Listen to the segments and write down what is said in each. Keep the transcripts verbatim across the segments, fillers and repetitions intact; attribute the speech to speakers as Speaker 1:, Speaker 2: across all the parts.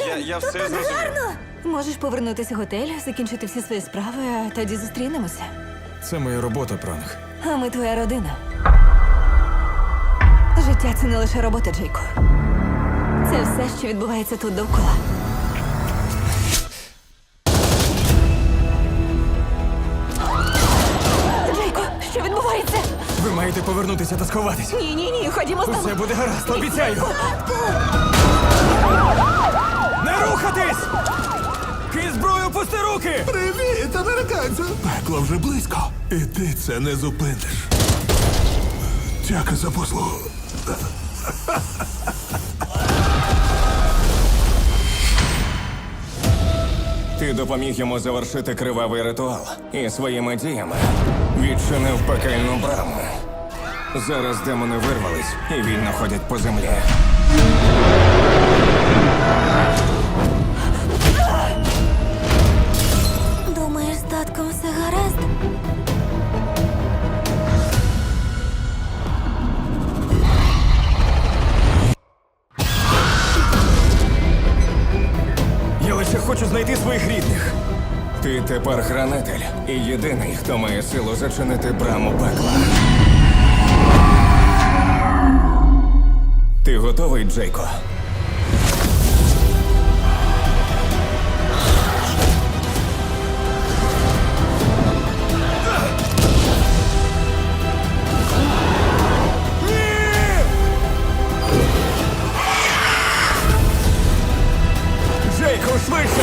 Speaker 1: я, я все зрозумів.
Speaker 2: Можеш повернутися в готель, закінчити всі свої справи, а тоді зустрінемося.
Speaker 3: Це моя робота, пранк.
Speaker 2: А ми твоя родина. Життя – це не лише робота, Джейко. Це все, що відбувається тут довкола. Джейко, що відбувається?
Speaker 3: Ви маєте повернутися та сховатись.
Speaker 2: Ні, ні, ні, ходімо з тобою.
Speaker 3: Усе буде гаразд, обіцяю. Не рухатись! Ки зброю, пусти руки!
Speaker 4: Привіт, американцю! Пекло вже близько. І ти це не зупиниш. Дяка за послугу.
Speaker 5: Ти допоміг йому завершити кривавий ритуал і своїми діями відчинив пекельну браму. Зараз демони вирвались і вільно ходять по землі.
Speaker 2: Думаєш, з татком все гаразд?
Speaker 3: Я лише хочу знайти своїх рідних.
Speaker 5: Ти тепер хранитель і єдиний, хто має силу зачинити браму пекла. Ти готовий, Джейко?
Speaker 3: Джейко, швидше!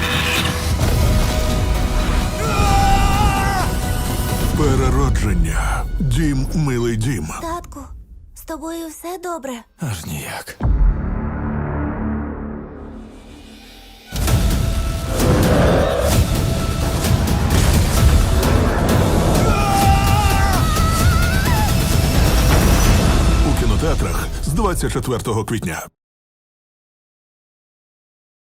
Speaker 4: Переродження. Дім, милий дім.
Speaker 2: Татку, з тобою все добре?
Speaker 3: Аж ніяк.
Speaker 4: У кінотеатрах з двадцять четвертого квітня.